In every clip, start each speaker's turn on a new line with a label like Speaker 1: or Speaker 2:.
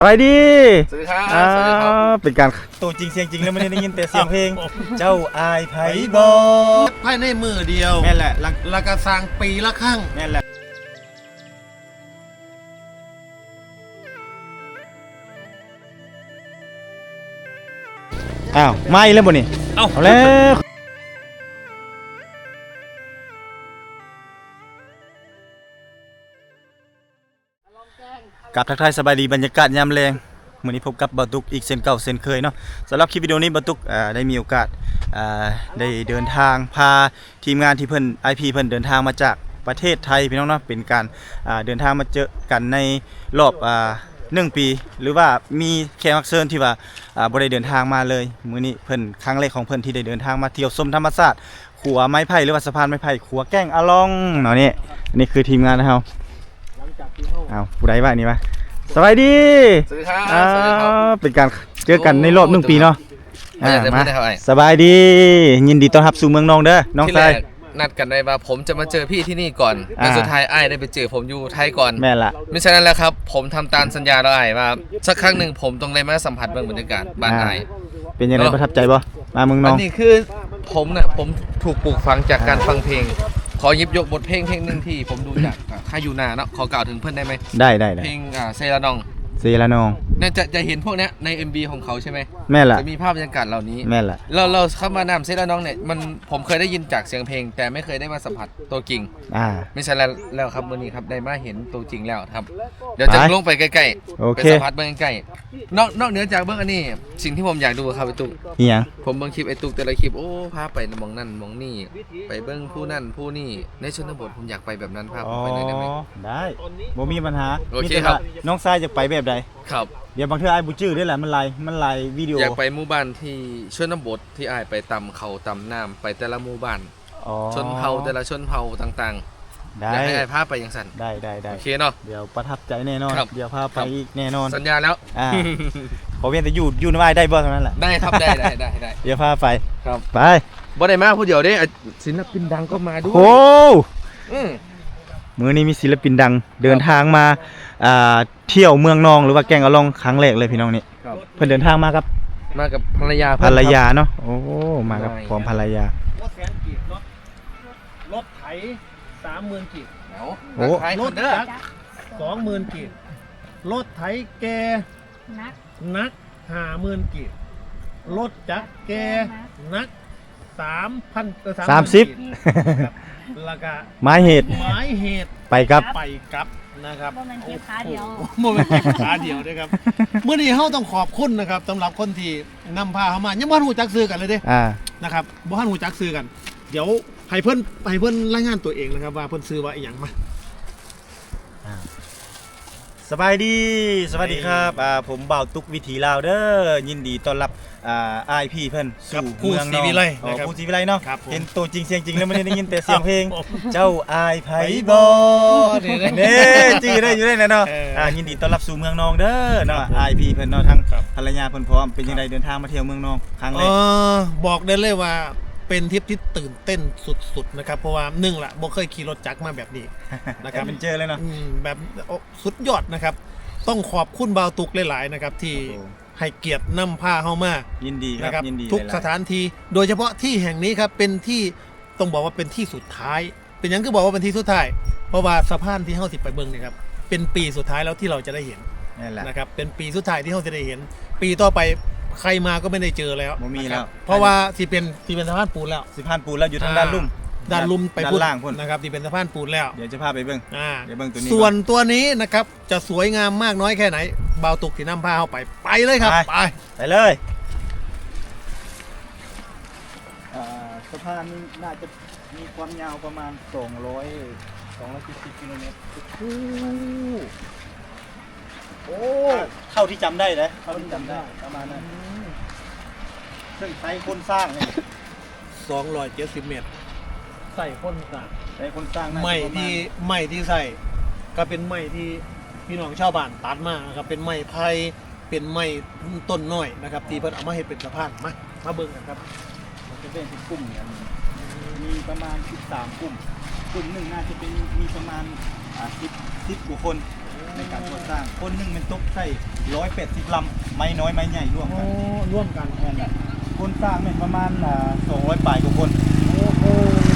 Speaker 1: ไปดี
Speaker 2: สวัสดีครับสวัสดีครับ
Speaker 1: เป็นการตัวจริงเสียงจริงแล้วไม่ได้ยินแต่เสียงเพลง เจ้าอายไผบอ
Speaker 3: ภายในมือเดียว
Speaker 1: แม่นแหละ
Speaker 3: แล้วก็สร้างปีละครั้ง
Speaker 1: แม่นแหละอ้าวไม่แล้วบ่นี่เอาแล้วกับทักทายสบายดีบรรยากาศยามแรงมื้อนี้พบกับบาตุกอีกเช่นเก่าเช่นเคยเนาะสำหรับคลิปวิดีโอนี้บาตุกได้มีโอกาสได้เดินทางพาทีมงานที่เพิ่น IP เพิ่นเดินทางมาจากประเทศไทยพี่น้องเนาะเป็นการเดินทางมาเจอกันในรอบ1 ปีหรือว่ามีแขกรับเชิญที่ว่าบ่ได้เดินทางมาเลยมื้อนี้เพิ่นครั้งแรกของเพิ่นที่ได้เดินทางมาเที่ยวชมธรรมชาติขัวไม้ไผ่หรือว่าสะพานไม้ไผ่ขัวแก้งอะลองเนาะนี่คือทีมงานนะเฮาเอาผู้ใดว่านี่วะสวัสดี
Speaker 2: สวัสดีครับสวัสดีครับ
Speaker 1: เป็นการเจอกันในรอบ1 ปีเนาะ
Speaker 2: มา
Speaker 1: สบายดียินดีต้อนรับสู่เมืองนองเด้อน้องชาย
Speaker 2: นัดกันไว้ว่าผมจะมาเจอพี่ที่นี่ก่อนแต่สุดท้ายไอ้ได้ไปเจอผมอยู่ไทยก่อน
Speaker 1: แม่ละ
Speaker 2: ไม่ใช่นั้นแล้วครับผมทำตามสัญญาแล้วไอ้ว่าสักครั้งหนึ่งผมต้องได้มาสัมผัสบรรยากาศบ้านไอ้
Speaker 1: เป็นยังไงประทับใจบ่มาเมืองนอง
Speaker 2: อันนี้คือผมถูกปลูกฝังจากการฟังเพลงขอหยิบยกบทเพลงหนึ่งที่ผมดูจากค่ายยูนาเนาะขอกล่าวถึงเพื่อนได้ไหม
Speaker 1: ได้
Speaker 2: เพลงเซรานองเนี่ยจะเห็นพวกเนี้ยใน MV ของเขาใช่ไหม
Speaker 1: แม่ละ
Speaker 2: จะมีภาพบรรยากาศเหล่านี้
Speaker 1: แม่ละ
Speaker 2: เราเข้ามานำเซรานองเนี่ยผมเคยได้ยินจากเสียงเพลงแต่ไม่เคยได้มาสัมผัสตัวจริงไม่ใช่แล้วครับวันนี้ครับได้มาเห็นตัวจริงแล้วครับเดี๋ยวจะลงไปใกล้ๆไปสัมผัสเบื้องใกล้นอกเหนือจากเบื้องอันนี้สิ่งที่ผมอยากดูครับไอ้ตุ๊กผมเบื้องคลิปไอ้ตุ๊กแต่ละคลิปโอ้พาไปมองนั่นมองนี่ไปเบื้องผู้นั่นผู้นี่ในชนบทผมอยากไปแบบนั้นพาผมไปได้ไหม
Speaker 1: ได้บ่มีปัญหา
Speaker 2: โอเคครับ
Speaker 1: น้องชายจะไปแบบใด
Speaker 2: ครับ
Speaker 1: เดี๋ยวบางเทื่อไอ้บุจื้อได้แหละมันไล่วิดีโอ
Speaker 2: อยากไปหมู่บ้านที่ชนบทที่อ้ายไปตำเขาตำน้ำไปแต่ละหมู่บ้านชนเผ่าแต่ละชนเผ่าต่างๆอยากให้อ้ายพาไปอย่างสั่น
Speaker 1: ได้
Speaker 2: โอเคเนาะ
Speaker 1: เดี๋ยวประทับใจแน่นอนเดี๋ยวพาไปอีกแน่นอน
Speaker 2: สัญญาแล้ว
Speaker 1: ขอเวียนแต่อยู่ในไว้ได้บ่เท่านั้นแหละ
Speaker 2: ได้ครับได้
Speaker 1: เดี๋ยวพาไป
Speaker 2: ครับ
Speaker 1: ไป
Speaker 2: บ่ได้มาผู้เดียวเด้ศิลปินดังก็มาด้วย
Speaker 1: โอ้มื้อนี้มีศิลปินดังเดินทางมาเที่ยวเมืองนองหรือว่าแกงอะลองครั้งแรกเลยพี่น้องนี่เพิ่นเดินทางมากับ
Speaker 2: ภรรยา
Speaker 1: เนาะโอ้มากับพร้อมภรรยา
Speaker 3: รถไถ 30,000 กีบ
Speaker 2: โอ้
Speaker 3: รถจักร 20,000 กีบรถไถแกนัก 50,000 กีบรถจักรแกนัก 30,000 แล้วก็
Speaker 1: ไม้เหตุไปกับ
Speaker 3: นะครับ
Speaker 4: โมเมนต์เก็บขาเดียว
Speaker 3: นะครับเมื่อนี้เฮาต้องขอบคุณนะครับสำหรับคนที่นำพาเข้ามายังบ่ฮู้จักซื้อกันเลยเด้นะครับบ่ฮู้จักซื้อกันเดี๋ยวให้เพิ่นรายงานตัวเองนะครับว่าเพิ่นซื้อว่าอีหยังมา
Speaker 1: สวัสดีครับผมบ่าวตุกวิถีลาวเด้อยินดีต้อนรับIP เพิ่นสู่เมืองนองผู้ศรีวิไลเนาะเห็นตัวจริงเสียงจริงแล้วไม่ได้ยินแต่เสียงเพลงเจ้าอายไผบอนี่จื้อได้อยู่ได้เนาะยินดีต้อนรับสู่เมืองนองเด้อเนาะ IP เพิ่นเนาะทั้งภรรยาเพิ่นพร้อมเป็นจังได๋เดินทางมาเที่ยวเมืองนองครั้งแรก
Speaker 3: บอกได้เลยว่าเป็นทริปที่ตื่นเต้นสุดๆนะครับเพราะว่า1ละบ่เคยขี่รถจักรมาแบบนี้นะครับ
Speaker 1: เป็นเจอเลยเนาะ
Speaker 3: แบบสุดยอดนะครับต้องขอบคุณบ่าวตุกหลายๆนะครับที่ให้เกียรตินำพาเข้ามา
Speaker 1: ยินดีครับยินดี
Speaker 3: ทุกสถานที่โดยเฉพาะที่แห่งนี้ครับเป็นที่ต้องบอกว่าเป็นที่สุดท้ายเป็นยังก็บอกว่าเป็นที่สุดท้ายเพราะว่าสะพานที่เฮาสิไปเบิ่งนี่ครับเป็นปีสุดท้ายแล้วที่เราจะได้เห็นนะครับเป็นปีสุดท้ายที่เฮาจะได้เห็นปีต่อไปใครมาก็ไม่ได้เจอแล้ว
Speaker 1: บ่มีแล้ว
Speaker 3: เพราะว่าสิเป็นสะพานปูนแล้ว
Speaker 1: อยู่ทางด้านลุ่ม
Speaker 3: ไปล่างพุ่นนะครับที่เป็นสะพานปูนแล้ว
Speaker 1: เดี๋ยวจะพาไปเบิ่ง
Speaker 3: เดี๋ยวเบิ่งตัวนี้ส่วนตัวนี้นะครับจะสวยงามมากน้อยแค่ไหนบ่าวตุกที่นำพาเข้าไปเลยครับ
Speaker 1: ไปเลยสะพานนี้น่าจะมีความยาวประมาณ270 กิโลเมตรโอ้เท่าที่จำได้เลยประมาณนั้นซึ่งใช้คนสร้างเนี่ย
Speaker 3: 270 เมตรใส่คนสร้างไม้ที่ใส่ก็เป็นไม้ที่พี่น้องชาวบ้านตัดมาครับเป็นไม้ไผ่เป็นไม้ต้นน้อยนะครับที่เพิ่นเอามาให้เป็นสะพานมาเบิ่งกันครับ
Speaker 1: มันจะเป็นกลุ่มกันมีประมาณ13 กลุ่มหนึ่งน่าจะเป็นมีประมาณ10 กว่าคนในการก่อสร้างคนหนึงเป็นตกใส่180 ลำไม้น้อยไม้ใหญ่ร่วมกัน
Speaker 3: ร่วมกัน
Speaker 1: นั่นแหละคนสร้างเนี่ยประมาณ200 ปลายกว่าคน
Speaker 3: โอ้โห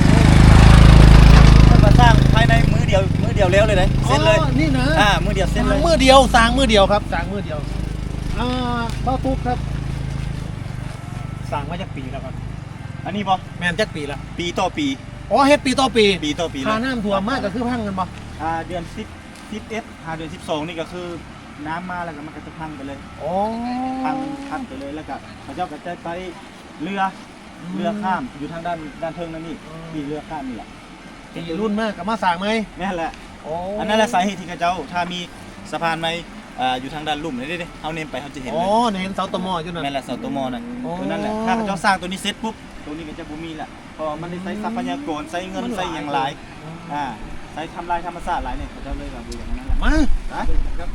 Speaker 1: ถ้ามาสร้างภายในมื้อเดียวแล้วเลยนะเสร็จเลย
Speaker 3: อ๋อนี่นะ
Speaker 1: มื้อเดียวเสร็จเลย
Speaker 3: มือเดียวสร้างมือเดียวครับสร้างมือเดียวเบ้าตุ๊กครับสร้างมาจากปีแล้วครับ
Speaker 1: อันนี้บ่
Speaker 3: แม่นจากปีละ
Speaker 1: ปีต่อปี
Speaker 3: อ๋อเฮ็ดปีต่อปี
Speaker 1: ปีต่อปี
Speaker 3: ค่าน้ำท่วมมากก็คือพังกันบ่
Speaker 1: เดือน10 11เดือน12นี่ก็คือน้ำมาแล้วก็มันก็จะพังไปเลย
Speaker 3: อ๋อ
Speaker 1: พังไปเลยแล้วก็พระเจ้าก็จะไปเรือข้ามอยู่ทางด้านเทิงนั่นนี่ที่เรือข้ามนี่แหละ
Speaker 3: ปีรุ่นมากกับมาสร้างไหม
Speaker 1: นั่นแหละ
Speaker 3: อ๋อ
Speaker 1: อันนั้นแหละสาเหตุที่เขาเจ้าถ้ามีสะพานไหมอยู่ทางด้านลุ่มนี่ดิเฮาเนมไปเขาจะเห็น
Speaker 3: อ๋
Speaker 1: เล
Speaker 3: อย เห็นเสาตะมออยู่นั่น
Speaker 1: นั่นแหละเสาตัวมอนั่น
Speaker 3: อ๋อ
Speaker 1: ตัวนั่นแหละถ้าเขาเจ้าสร้างตัวนี้เสร็จปุ๊บตัวนี้ก็จะบ่มีแหละเพราะมันได้ใช้ทรัพยากรใช้เงินใช้อย่างหลายใช้ทำลายธรรมชาติหลายเนี่ยเขาเจ้าเลยแบบดูอย่างนั้นแหละ
Speaker 3: มา
Speaker 1: ครับ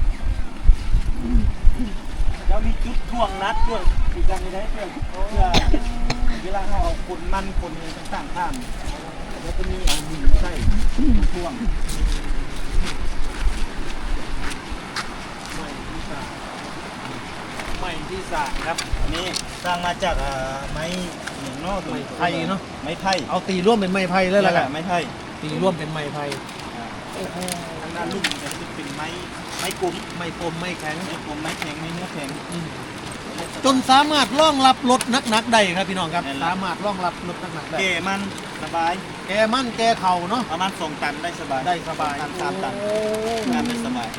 Speaker 1: แล้วมีจุดท่วงนัดด้วยอีกอย่างหนึงได้เพื่อเวลาเราเอาคนมันคนต่างๆข้ามแล้วก็มีเอาหินใส่ท่วง
Speaker 3: ใหม่ที่สร้างครับ
Speaker 1: อันนี้สร้างมาจากไม้หนึ่งนอก
Speaker 3: ไม้ไผ่เนอะ
Speaker 1: ไม้ไผ่
Speaker 3: เอาตีร่วมเป็นไม้ไผ่เลยล่ะครับ
Speaker 1: ไม้ไผ่
Speaker 3: ตีร่วมเป็นไม้ไผ่
Speaker 1: ทางด้านลุ่มเนี่ยจะเป็นไม้กลม
Speaker 3: ไม้กลมไม้แข็ง
Speaker 1: ไม้กลมไม้แข็งไม้เนื้อแข็ง
Speaker 3: จนสามารถรองรับรถหนักๆได้ครับพี่น้องครับ
Speaker 1: นั่นแหละ
Speaker 3: สามารถรองรับรถหนักๆได้
Speaker 1: เกมันสบาย
Speaker 3: แกมั่นแกเข่าเนาะ
Speaker 1: ประมาณ2 ตันได้สบาย
Speaker 3: ได้สบาย
Speaker 1: ตัน3 ตัน
Speaker 3: โอ้
Speaker 1: งานได้สบาย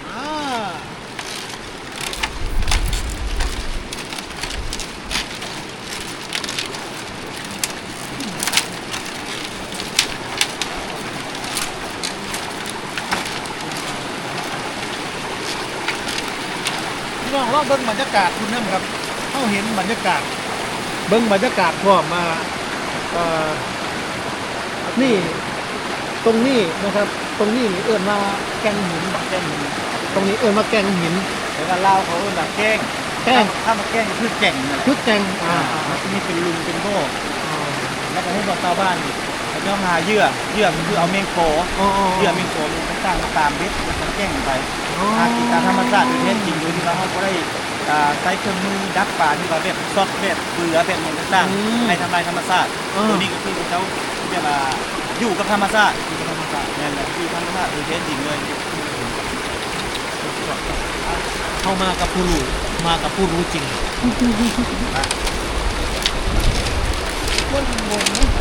Speaker 3: พี่น้องลองเบิ่งบรรยากาศคุณน้ำครับเขาเห็นบรรยากาศ เบิ่งบรรยากาศพร้อมมานี่ตรงนี้นะครับ ตรงนี้เอิ้นว่าแกงหิน
Speaker 1: แก้ง
Speaker 3: ตรงนี้เอิ้นว่าแกงหิน
Speaker 1: แล้วก็เล่าเขาแบบแกล้ง
Speaker 3: แกล้ง
Speaker 1: ถ้ามาแกล้งก็คือแก่งนั่นแหละ
Speaker 3: คือแกง
Speaker 1: มันจะมีเป็นลุงเป็นโม่แล้วก็ให้บอกชาวบ้านเขาจะหาเหยื่อมันคือเอาเมงโคเหยื่อเมงโคมันก็สร้างตามเบ็ดมันแกล้งไปหากินตามธรรมชาติโดยแท้จริงโดยที่ว่าเขาก็ได้ใช้เครื่องมือดักปลาที่ว่าแบบซอดแบบเบือแบบอย่างต่างๆให้ทำลายธรรมชาติตัวนี้ก็คือเขาเรียกว่าอยู่กับธรรมชาตินั่นแหละคือธรรมชาติโดยแท้จริงเลย
Speaker 3: เข้ามากับผู้รู้มากับผู้รู้จริง
Speaker 1: คนงงนะ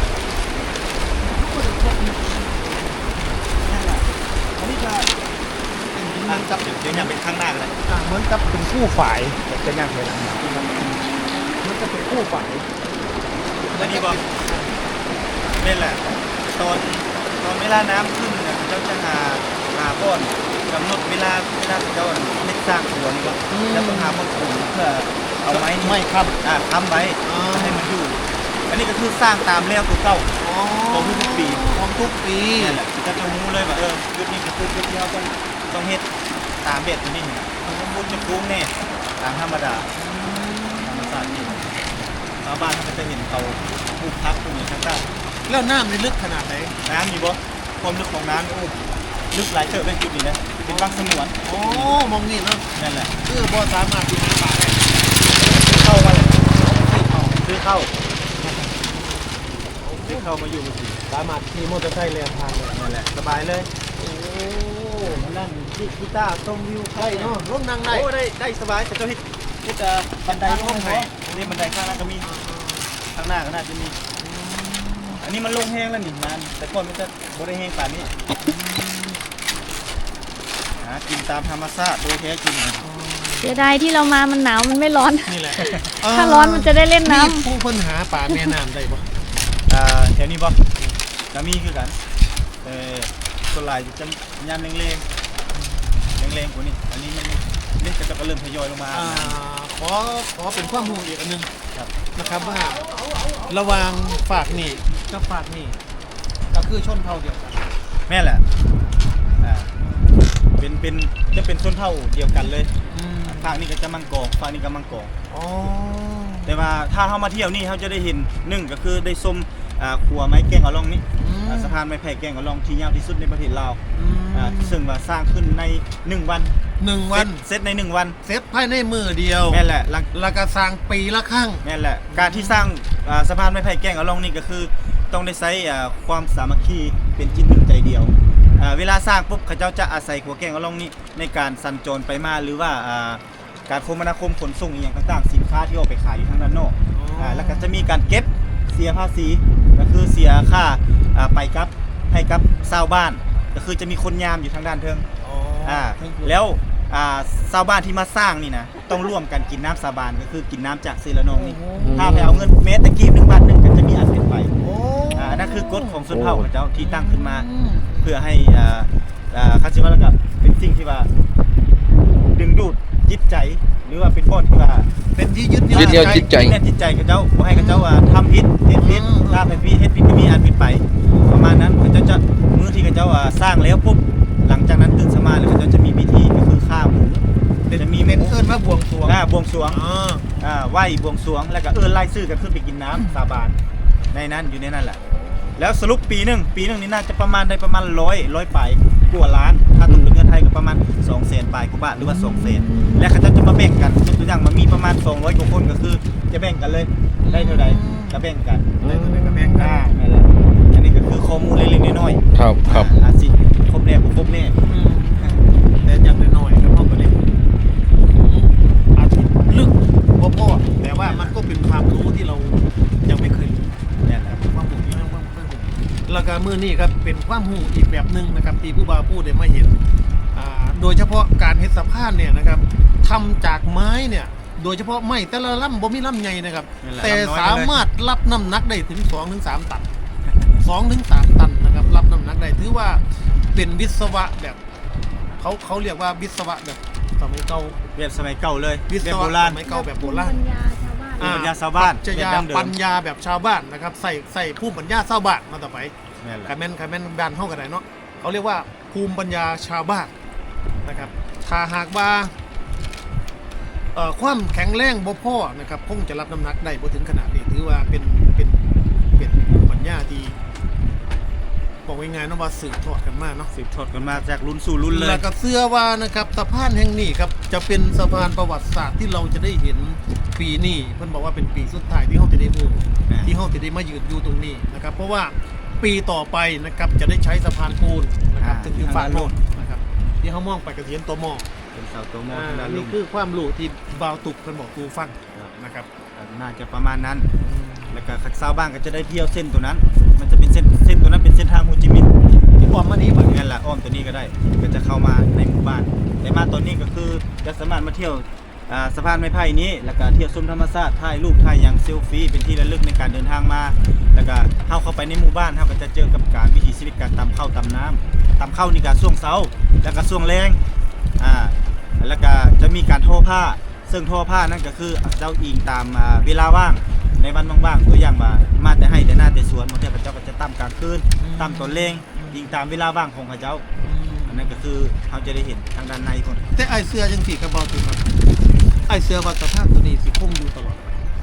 Speaker 1: อันนี้จะเป็นทางจับเดี๋ยวยังเป็นข้างหน้ากันเลย
Speaker 3: เหมือนกับเป็นผู้ฝ่ายจะยังไงล่ะมันจะเป็นผู้ฝ่าย
Speaker 1: อันนี้บอกนี่แหละตอนเวลาน้ำขึ้นเนี่ยเขาจะหาก้อนกำหนดเวลาเขาเล็กสร้างสวนก็แล้วก็หาคนขุดเพื่อเอาไม้นี่
Speaker 3: ไม่ครับ
Speaker 1: ค้ำไว้ให้มันอยู่ อันนี้ก็คือสร้างตามแล้วตัวเก่าของทุกปี
Speaker 3: ของทุกปี
Speaker 1: นี่แหละจะรู้เลยว่าจุดนี้ก็คือจุดที่เราต้องเฮ็ดตามเบ็ดตัวนี้มันมุดจะคุ้งแน่ตามธรรมดาธรรมชาตินี่ชาวบ้านเขาก็จะเห็นเขาปลูกพักตรงนี้ข้างใต้
Speaker 3: แล้วน้ำในลึกขนาดไหน
Speaker 1: น้ำมีบ่ความลึกของน้ำโอ้ลึกหลายเติบเป็นจุดนี้นะเป็นวังสงวน
Speaker 3: โอ้มองนี่เนาะ
Speaker 1: นั่นแหละ
Speaker 3: คือบ่สามารถอยู่ในป่าได้
Speaker 1: เข้ามาเลยซื้อเข้ามาอยู่สิ
Speaker 3: สามารถขี่มอเตอร์ไซค์เลียนทางเลย
Speaker 1: นั่นแหละสบายเลย
Speaker 3: โอ้
Speaker 1: นั่นกีตาร์ชมวิว
Speaker 3: ได้เนาะร่มนั่งได้
Speaker 1: โอ้ได้สบายแต่เจ้าเฮ็ดบันไดลงให้นี่บันไดข้างหน้าก็มีข้างหน้าก็น่าจะมีอันนี้มันลงแห้งแล้วนี่มันแต่ก่อนมันจะบ่ได้แห้งป่านนี้หากินตามธรรมชาติโดยแท้จริง
Speaker 4: เสียดายที่เรามามันหนาวมันไม่ร้อน
Speaker 3: นี่แหละ
Speaker 4: ถ้าร้อนมันจะได้เล่นน้ำ
Speaker 3: ผู้ค้นหาป่าแม่น้ำได้ปะ
Speaker 1: แถวนี้บ่ก็มีคือกันส่วนหลายจะยามแรงกว่านี้อันนี้มันนี่ก็เริ่มทยอยลงมา
Speaker 3: ขอเป็นความรู้อีกอันหนึง
Speaker 1: ครับ
Speaker 3: นะครับว่าระหว่างฝากนี่กับฝากนี่ก็คือชนเผ่าเดียวกัน
Speaker 1: แม่แหละเป็นส้นเท่าเดียวกันเลยภาคนี้ก็จะมังกรภาคนี้ก็มังกร
Speaker 3: อ๋อ
Speaker 1: แต่ว่าถ้าเขามาเที่ยวนี่เขาจะได้เห็นหนึ่งก็คือได้ชมขัวไม้แกงเอาลองนี้สะพานไม้ไผ่แกงเอาลองที่ยาวที่สุดในประเทศลาวซึ่งว่าสร้างขึ้นใน1 วันเสร็จใน1 วัน
Speaker 3: เสร็จภายในมือเดียว
Speaker 1: แม่นแหละ
Speaker 3: แล้วก็สร้างปีละครั้ง
Speaker 1: แม่นแหละการที่สร้างสะพานไม้ไผ่แกงเอาลองนี่ก็คือต้องได้ใช้ความสามัคคีเป็นจิตหนึ่งใจเดียวเวลาสร้างปุ๊บเขาเจ้าจะอาศัยขัวแกงเอาลองนี้ในการสัญจรไปมาหรือว่าการคมนาคมขนส่งอย่างต่างๆสินค้าที่ออกไปขายอยู่ทางด้านนอกแล้วก็จะมีการเก็บเสียภาษีก็คือเสียค่าไปกับให้กับชาวบ้านก็คือจะมีคนยามอยู่ทางด้านเทิงแล้วชาวบ้านที่มาสร้างนี่นะต้องร่วมกันกินน้ำสาบานก็คือกินน้ำจากศิลนองนี่ถ้าไปเอาเงินเมตรตะกี้1 บาท 1ก็จะมีอันเป็นไปนั่นคือกฎของชนเผ่าของเจ้าที่ตั้งขึ้นมาเพื่อให้คาสิว่าแล้วก็เป็นสิ่งที่ว่าดึงดูดจิตใจหรือว่าเป็นบทที่ว่า
Speaker 3: เป็นที่ยึด
Speaker 2: เหนี่ยวจิตใจ
Speaker 1: เนี่ยจิตใจเขาเจ้าบ่ให้เขาเจ้าทำผิดเฮ็ดผิดถ้าเป็นผิดเฮ็ดผิดก็มีอันผิดไปประมาณนั้นเขาจะมื้อที่เขาเจ้าสร้างแล้วปุ๊บหลังจากนั้นตื่นสมาแล้วเขาเจ้าจะมีพิธีก็คือฆ่าหมู
Speaker 3: จะมีเม็ดเอิ้นว่าบวงสรวง
Speaker 1: บวงสรวงไหว้บวงสรวงแล้วก็ไล่ชื่อกันขึ้นไปกินน้ำสาบานในนั้นอยู่ในนั้นแหละแล้วสรุปปีหนึงนี่น่าจะประมาณได้ประมาณ100 ปลายกว่าล้านถ้าตกเป็นเงินไทยก็ประมาณ200,000 ปลายกว่าบาทหรือว่า200,000และเขาจะมาแบ่งกันตัวอย่างมันมีประมาณ200 กว่าคนก็คือจะแบ่งกันเลยได้เท่าใดก็แบ่งกัน
Speaker 3: ได้เท่าใดก็แบ่งกัน
Speaker 1: นั่นแหละอันนี้ก็คือข้อมูลเล็กๆน้อย
Speaker 2: ๆครับ
Speaker 1: อาสิครบแน่บ่ครบแน่
Speaker 3: แต่อย่างน้อยๆครับพ่อก็ได้อาทิตย์ลึกบ่พอแต่ว่ามันก็เป็นความรู้ที่เรายังไม่เคยรู้
Speaker 1: นั่นแหละ
Speaker 3: ความรู้ที่แล้วก็มื้อนี้ครับเป็นความรู้อีกแบบนึงนะครับที่ผู้บ่าวผู้ได้มาเห็นโดยเฉพาะการเฮ็ดสะพานเนี่ยนะครับทำจากไม้เนี่ยโดยเฉพาะไม้แต่ละลำบ่มีลำใหญ่นะครับแต่สามารถรับน้ำหนักได้ถึง 2-3 ตัน 2-3 ตันนะครับรับน้ำหนักได้ถือว่าเป็นวิศวะแบบเขาเรียกว่าวิศวะแบบสมัยเก่า
Speaker 1: แบบสมัยเก่าเลย
Speaker 3: วิศวะสมัยเก่าแบบโบราณ
Speaker 1: ปัญญาชาวบ้าน
Speaker 3: ปัญญาแบบชาวบ้านนะครับใส่ภูมิปัญญาชาวบ้านมาต่อไปคาแมนด้านเท่ากันไหนเนาะเขาเรียกว่าภูมิปัญญาชาวบ้านนะครับถ้าหากว่าความแข็งแรงบ่พอนะครับคงจะรับน้ำหนักได้บ่ถึงขนาดนี้ถือว่าเป็นภูมิปัญญาที่บอกง่ายๆนะว่าสืบทอดกันมาเนาะ
Speaker 1: สืบทอดกันมาจากรุ่นสู่รุ่นเลย
Speaker 3: แล้วก็เชื่อว่านะครับสะพานแห่งนี้ครับจะเป็นสะพานประวัติศาสตร์ที่เราจะได้เห็นปีนี้เพิ่นบอกว่าเป็นปีสุดท้ายที่เฮาจะได้ฮู้ที่เฮาจะได้มายืนอยู่ตรงนี้นะครับเพราะว่าปีต่อไปนะครับจะได้ใช้สะพานปูนนะครับถึงฝั่งโน้นนะครับที่เฮามองไปก็เห็นตัวหม้อ
Speaker 1: เป็นเสาตัวหม้อ
Speaker 3: นี่คือความรู้ที่บ่าวตุกเพิ่นบอกกูฟังนะครับ
Speaker 1: น่าจะประมาณนั้นแล้วก็ชาวบ้านก็จะได้เที่ยวเส้นตัวนั้นมันจะเป็นเส้นตัวนั้นเป็นเส้นทางโฮจิมินห์
Speaker 3: ที่อ้อมมานี้แบบ
Speaker 1: นั้นแหละอ้อมตัวนี้ก็ได้ก็จะเข้ามาในหมู่บ้านแต่มาตอนนี้ก็คือจะสามารถมาเที่ยวสะพานไม้ไผ่นี้แล้วก็เที่ยวชมธรรมชาติถ่ายรูปถ่ายอย่างเซลฟี่เป็นที่ระลึกในการเดินทางมาแล้วก็เข้าไปในหมู่บ้านก็จะเจอกับการวิถีชีวิตการตำข้าวตำน้ำตำข้าวนี่ก็ช่วงเช้าแล้วก็ช่วงแรงแล้วก็จะมีการทอผ้าซึ่งทอผ้านั่นก็คือเจ้าอิงตามเวลาว่างในวันว่างๆตัวอย่างมาแต่ให้แต่หน้าแต่สวนบางทีพระเจ้าก็จะตั้มกลางคืนตั้มตอนเล่งอิงตามเวลาว่างของพระเจ้าอันนั้นก็คือเขาจะได้เห็นทางด้านในคน
Speaker 3: แต่ไอเสื้อจังสีกระบอกถือครับไอเสื้อวัสภาพตัวนี้สิคงอยู่ตลอด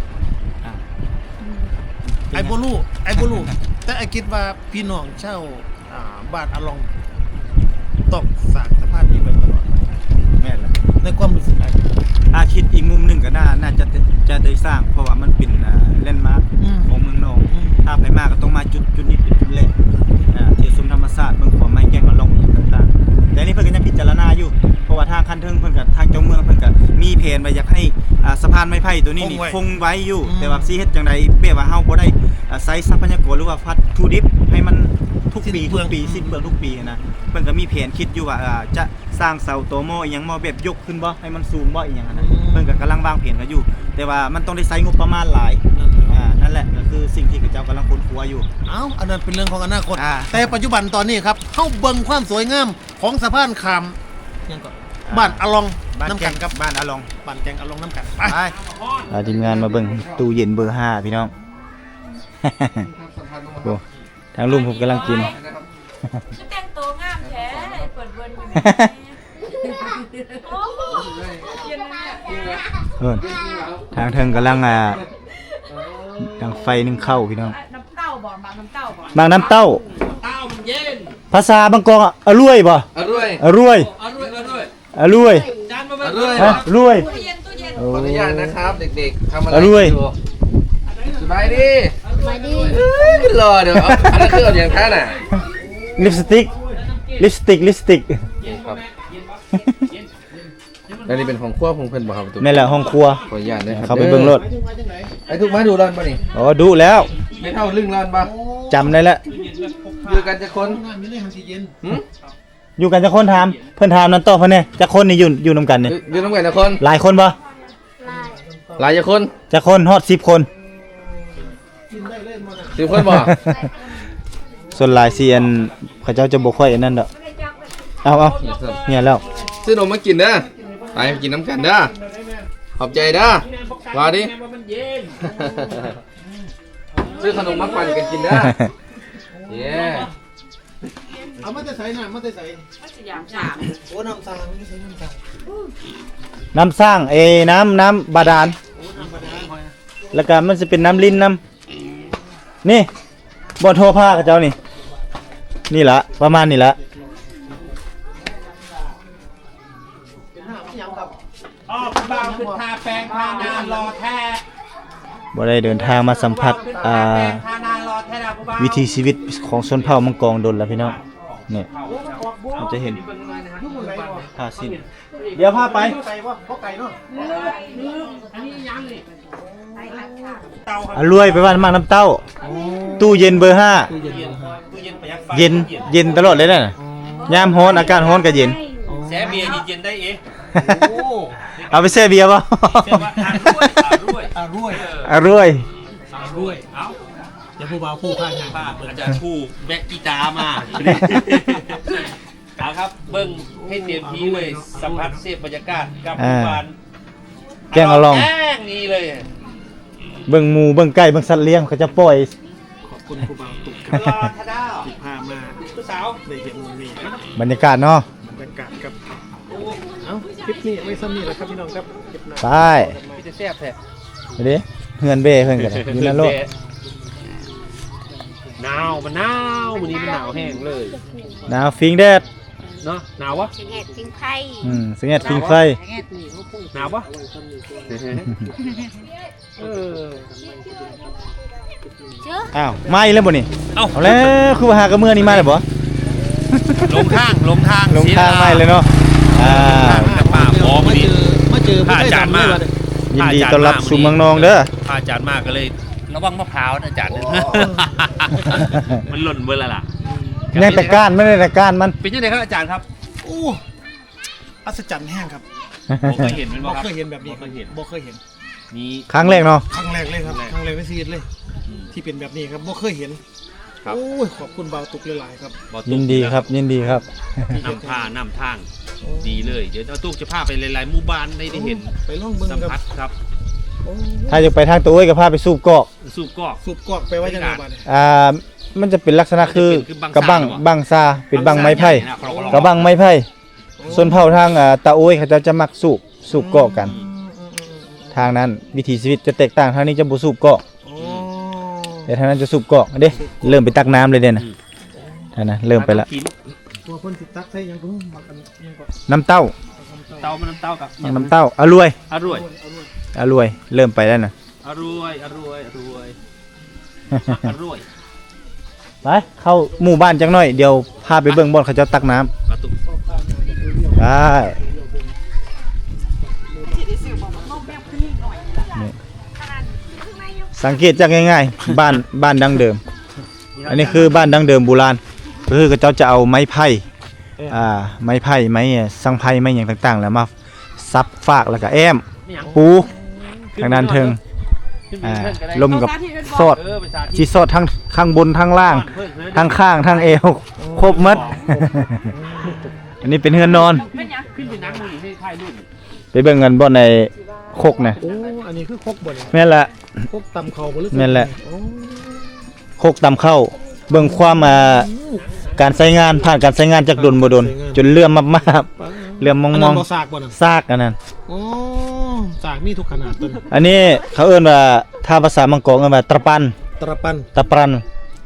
Speaker 3: ไอโบลูแต่ไอคิดว่าพี่น้องเช่าบ้านอลองต้องสร้างสะพานนี้ไว้ตลอด
Speaker 1: แม่นละ
Speaker 3: ในความรู้สึก
Speaker 1: ถ้าคิดอีกมุมหนึ่งก็น่าจะได้สร้างเพราะว่ามันเป็นแลนด์มาร์คของเมืองนองถ้าไปมาก็ต้องมาจุดนี้เป็นจุดแรกเที่ยวชมธรรมชาติเมืองขวไม้แกงอลองต่างๆแต่นี่เพิ่นก็ยังพิจารณาอยู่เพราะว่าทางคันเทิงเพิ่นกับทางเจ้าเมืองเพิ่นก็มีแผนไว้อยากให้สะพานไม้ไผ่ตัวนี้นี่คงไว้อยู่แต่ว่าสิเฮ็ดจังได๋เป้ว่าเฮาบ่ได้ใช้ทรัพยากรหรือว่าวัตถุดิบให้มันทุกปีสิ้นเปลืองทุกปีนะเพิ่นก็มีแผนคิดอยู่ว่าจะสร้างเสาโตโมอีหยังบ่แบบยกขึ้นบ่ให้มันสูงบ่อีหยังนะเพิ่นก็กำลังวางแผนกันอยู่แต่ว่ามันต้องได้ใช้งบประมาณหลายนั่นแหละก็คือสิ่งที่เจ้ากำลังค้นคว้าอยู่
Speaker 3: อันนั้นเป็นเรื่องของอนาคตแต่ปัจจุบันตอนนี้ครับเฮาเบิ่งความสวยงามของสะพานข้ามยังก่อนบ้านอลองน้ำกันครับ
Speaker 1: บ้านอลอง
Speaker 3: บ้านแกงอลองน้ำกัน
Speaker 1: ไปทีมงานมาเบิ่งตู้เย็นเบอร์5พี่น้องโอ้ทางลุงผมกำลังกิน
Speaker 5: แต่งตัวงามแท้เปิดเวิร์นอยู่โอ้โหเย็นเนี่ย
Speaker 1: ทางเทิงกำลังดังไฟนึ่งข้าวพี่น้อง
Speaker 5: น้ำเต้าบ่บางน้ำเต้าบ่
Speaker 1: หมากน้ำเต้า
Speaker 2: เต้ามันเย็น
Speaker 1: ภาษาบางกอกอร่อยบ่
Speaker 2: อร่อย
Speaker 1: อร่อย
Speaker 2: อร่อยอร่อย
Speaker 1: อร่อย
Speaker 2: จานมาอร่อย
Speaker 1: ฮะอร่อย
Speaker 5: ตู้เย็นตู้เย็น
Speaker 1: โอ้
Speaker 2: ขออนุญาตนะครับเด็กๆทำอะไร
Speaker 1: อร่อย
Speaker 2: อยู่สบายดี
Speaker 4: มาดิ
Speaker 2: รอเดี๋ยวเอาอันนั้นคือเอาอย่างท่านน่ะ
Speaker 1: ลิปสติกลิปสติกลิปสติก
Speaker 2: ครับอันนี้เป็นของครัวของเพิ่นบ่ครับตุ๊ก
Speaker 1: นี่แหละห้องครัว
Speaker 2: ขออนุญาตนะครับ
Speaker 1: เข้าไปเบิ่งรถ
Speaker 2: ไอ้ทุกมาดูร้อนป่ะนี่
Speaker 1: อ๋อดูแล้ว
Speaker 2: ไม่เท่าลึ่งร้อนป่ะ
Speaker 1: จำได้แล้ว
Speaker 2: อยู่กันจะคน
Speaker 3: น้ำนี่เลยมันสิเย็น
Speaker 2: หืม
Speaker 1: อยู่กันจะคนถามเพิ่นถามนั่นต่อเพิ่นเนี่ยจะคนนี่อยู่นํกันนี่
Speaker 2: อยู่น้ำกันจะคน
Speaker 1: หลายคนบ่
Speaker 2: หลายจะคน
Speaker 1: จะคนฮอด10 คน
Speaker 2: 10 คนบ่
Speaker 1: ส่วนหลายเซียนเขาเจ้าจะบ่ค่อยอันนั้นดอกเอาเนี่ยแล้ว
Speaker 2: ซื้อนมมากินเด้อไปกินน้ำกันเด้อขอบใจเด้อว่าดิ ซื้อขนมมาปั่นกันกินเด้อเย้
Speaker 3: เอามาแต่ใส่น้ำมาแต่ใส่
Speaker 5: มันสยามสาม
Speaker 3: โอ้น้ำตาลไม่ใช่น้ำตาล
Speaker 1: น้ำสร้างน้ำบาดาลแล้วก็มันจะเป็นน้ำลิ้นน้ำนี่บ่โทรผ้ากับเจ้านี่ล่ะประมาณนี้ล่ะ
Speaker 6: บ่าวคือทาแปรงทานารอแท้
Speaker 1: บ่ได้เดินทางมาสัมผัส
Speaker 6: ทานารอแท้แล้วบ่าว
Speaker 1: วิถีชีวิตของชนเผ่ามังกรดนแล้วพี่น้องนี่มันจะเห็นผ้าสิ้นเดี๋ยวพาไป
Speaker 3: ไก่วะเพราะไก่เนาะ
Speaker 1: รวยไปบ้านมากน้ำเต้า ตู้เย็นเบอร์
Speaker 6: ตู้เย็นประหยัดไฟ
Speaker 1: 5 เย็นตลอดเลยนะยามร้อนอากาศร้อนก็เย็น
Speaker 6: แซ่เบียร์เย็นๆได้เองโอ้
Speaker 1: เอาไปแช่เบียร์ป่ะ
Speaker 6: เชื่อว่าทานด้วย
Speaker 3: อ่ะรวย
Speaker 1: รวย
Speaker 3: รวย
Speaker 6: เอ้า
Speaker 3: อย่าพูดว่าผู้ข้างงาน
Speaker 6: ป้าอาจารย์ผู้แบกกีตาร์มาเอาครับเบิ้งให้เต็มที่เลยสัมผัสเสพบรรยากาศกับหมู่บ้าน
Speaker 1: แกงเอาลอง
Speaker 6: แกงนี่เลย
Speaker 1: เบิ่งหมูเบิ่งไก่เบิ่งสัตว์เลี้ยงเขาจะปล่อย
Speaker 3: ขอบคุณครูบาวตุก
Speaker 6: รอทาดาว
Speaker 3: ที่พามา
Speaker 6: ผู้สาว
Speaker 3: ได้เห็นมุมนี้
Speaker 1: บรรยากาศเนาะ
Speaker 3: บรรยากาศครับเอ้าคลิปนี้ไว้ซ้ำนี่แหละครับพี่น้องครับคลิปหน้า
Speaker 1: ไป
Speaker 6: พี่จะแซ่บแท้
Speaker 1: ไปดิเฮือนเบ้เพิ่นกันอยู่นั่นโลด
Speaker 6: หนาวมันหนาววันนี้มันหนาวแห้งเลย
Speaker 1: หนาวฟิงแดด
Speaker 6: เนาะหนาววะ
Speaker 4: สิงเห็ดสิงไข่
Speaker 1: สิงเอ็ดฟิงไฟ
Speaker 6: หนาววะเออ
Speaker 1: อ้าวมาอีกแล้วบ่นี่
Speaker 6: เอ้า
Speaker 1: เอาแล้วคือว่าหากระเมื่อนี่มาแล้วบ่
Speaker 6: ลงทาง
Speaker 1: ลงทางมาเลยเนาะ
Speaker 6: แต่ป่าหมอพอดี
Speaker 3: มาเจอ
Speaker 6: พระอาจารย์มา
Speaker 1: ยินดีต้อนรับสู่เมืองนองเด้อ
Speaker 6: พระอาจารย์มากก็เลยระวังมะพร้าวนะอาจารย์ มันหล่นเบอร์ละล่ะ
Speaker 1: ยังแต่ก้านไม่ได้แต่ก้านมัน
Speaker 6: เป็นยังไงครับอาจารย์ครับ
Speaker 3: โอ้อัศจรรย์แห้งครับ
Speaker 6: ผมเคยเห็นมัน
Speaker 3: บ่
Speaker 6: บ่ครับ
Speaker 3: เคยเห็นแบบนี้
Speaker 6: บ่เคยเห็น
Speaker 3: บ่เคยเห็น
Speaker 6: มี
Speaker 1: ครั้งแรกเนาะ
Speaker 3: ครั้งแรกเลยครับครั้งแรกในชีวิตเลย ที่เป็นแบบนี้ครับบ่เคยเห็น
Speaker 6: ครับ
Speaker 3: โอ้ยขอบคุณบาวตุกหลายๆครับ
Speaker 6: บ่ตุ๊ก
Speaker 1: ยินดีครับยินดีครับ
Speaker 6: นำผ้านำทางดีเลยเดี๋ยวเอาตุ๊กจะพาไปหลายๆหมู่บ้านได้เห็น
Speaker 3: ไปล่องเบิ่ง
Speaker 6: สัม
Speaker 3: ครับ
Speaker 6: ผัสครับ
Speaker 3: โอ้
Speaker 1: ถ้าจะไปทางตัวเอ้ยก็พาไปสูบกอก
Speaker 6: สูบกอก
Speaker 3: สูบกอกไปไว้จังไงบ้าง
Speaker 1: มันจะเป็นลักษณะคือกระบัง
Speaker 6: คือบั
Speaker 1: บั
Speaker 6: ง
Speaker 1: ง
Speaker 6: ซา
Speaker 1: ซาเป็นบังไม้ไผ่
Speaker 6: นะครอบครัว
Speaker 1: กระบังไม้ไผ่ส่วนเผ่าทางตาโอ้ยเขาจะมักสูบกอกกัน ทางนั้นวิถีชีวิตจะแตกต่างทางนี้จะบ่สูบกอก
Speaker 3: โอ้
Speaker 1: แต่ทางนั้นจะสูบกอกเด้เริ่มไปตักน้ำเลยเด้นะท่านนะเริ่มไปละ
Speaker 3: ตัวเพิ่นสิตักใส่หยังเพิ่นมักกันยังก็
Speaker 1: น้ำเต้า
Speaker 6: เต้ามันน้ำเต้ากับ
Speaker 1: น้ำเต้าอร่อย
Speaker 6: อร่อย
Speaker 1: อร่อยเริ่มไปแล้วนะ
Speaker 6: อร่อยอร่อยอร่อยอร่อย
Speaker 1: ไปเข้าหมู่บ้านจังหน่อยเดี๋ยวพาไปเบิ่งบ่อนเขาเจะตักน้ำ
Speaker 6: กระตุก
Speaker 1: ได้นี่สังเกตจากง่ายๆ บ้านดังเดิม อันนี้คือบ้านดังเดิมโบราณก็คือเขาเจ้าจะเอาไม้ไผ่ไม้ไผ่ไม้สังไผ่ไม้อย่างต่างๆ แล้วมาซับฟากแล้วก็แอมปูทางด้านเทิงลมกับซอดชีซอดทั้งข้างบนทั้งล่างทั้งข้างทั้งเอวครบหมด อันนี้เป็นเฮือนนอน
Speaker 6: ขึ้นไปนั่งมือให้ถ่ายรูป
Speaker 1: ไปเบิ่งกันบ่ในคกนะ
Speaker 3: โอ้อันนี้คือครกบ่เนี่ย
Speaker 1: แม่นละ
Speaker 3: ครกตำข้าวบ่หรือ
Speaker 1: แม่นแหละ
Speaker 3: โอ้
Speaker 1: คกตำเข้าเบิ่งความการใช้งานผ่านการใช้งานจากดนบ่ดนจนเลื่อมมากๆเลื่อมม
Speaker 3: อัน
Speaker 1: อ
Speaker 3: นั้
Speaker 1: ง
Speaker 3: นบ่ซากบ่น่ะ
Speaker 1: ๆซากอันนั้น
Speaker 3: โอ้ซากมีทุกขนาดต้น
Speaker 1: อันนี้เขาเอิ้นว่าถ้าภาษามังกรเอิ้นว่าตะปัน
Speaker 3: ตระปัน
Speaker 1: ตะปรัน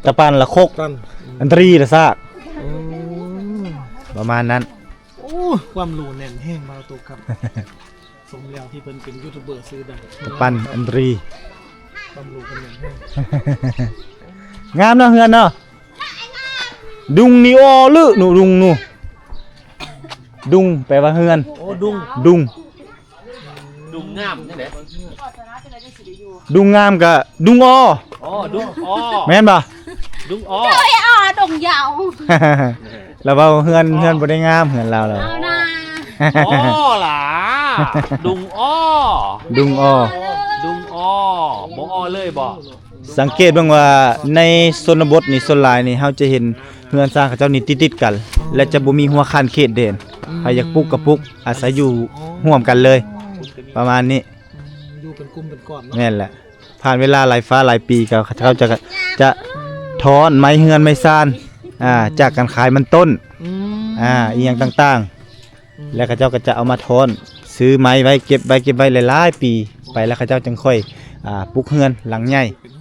Speaker 1: ตะปันละคก
Speaker 3: กัน
Speaker 1: อันตรีละซากประมาณนั้น
Speaker 3: โอ้ความรู้แน่นแห้งมาตุกครับ สมแล้วที่เพิ่นเป็นยูทูบเบอร์ซื้อดัง
Speaker 1: ตะปันอันตรี
Speaker 3: ความรู้เพิ่นแน่นแห้ง
Speaker 1: งามเนาะเฮือนเนาะดุงนี่ออลึหนูดุงหนูดุงแปลว่าเฮือน
Speaker 3: โอ้ดุง
Speaker 1: ดุง
Speaker 6: ดุงงามนี่แหละ
Speaker 1: ดุงงามกะดุงอ
Speaker 6: อ๋อดุงอ้อ
Speaker 1: แม่นบ่
Speaker 6: ดุงอ้อ
Speaker 4: อ๋อดงยาว
Speaker 1: แล้วเว้าเฮือนบ่ได้งามเฮือนเราแล้ว
Speaker 4: เอานะ
Speaker 6: อ้อหล่ะดุงอ้อ
Speaker 1: ดุงออ
Speaker 6: ดุงอ้อบ่อ้อเลยบ่
Speaker 1: สังเกตเบ้างว่าในชนบทนี่ส่วนหลายนี่เฮาจะเห็นเฮือนสร้างเขาเจ้านี่ติดๆกัน และจะบ่มีหัวคันเขตเด่นใครอยากปลูกก็ปลูกอาศัยอยู่ร่วมกันเลย ประมาณนี้
Speaker 3: อยู่เป็นกลุ่มเป็นก้อนเนาะ
Speaker 1: แม่นแหละ ผ่านเวลาหลายฟ้าหลายปีก็เขาจะถอนไม้เฮือนไม้ซ่านจากการขายมันต้น
Speaker 3: อืม
Speaker 1: อีหยังต่างๆ แล้วเขาเจ้าก็จะเอามาถอนซื้อไม้ไว้เก็บไว้หลายๆปี ไปแล้วเขาเจ้าจึงค่อยปลูกเฮือนหลังใหญ่
Speaker 3: เป็น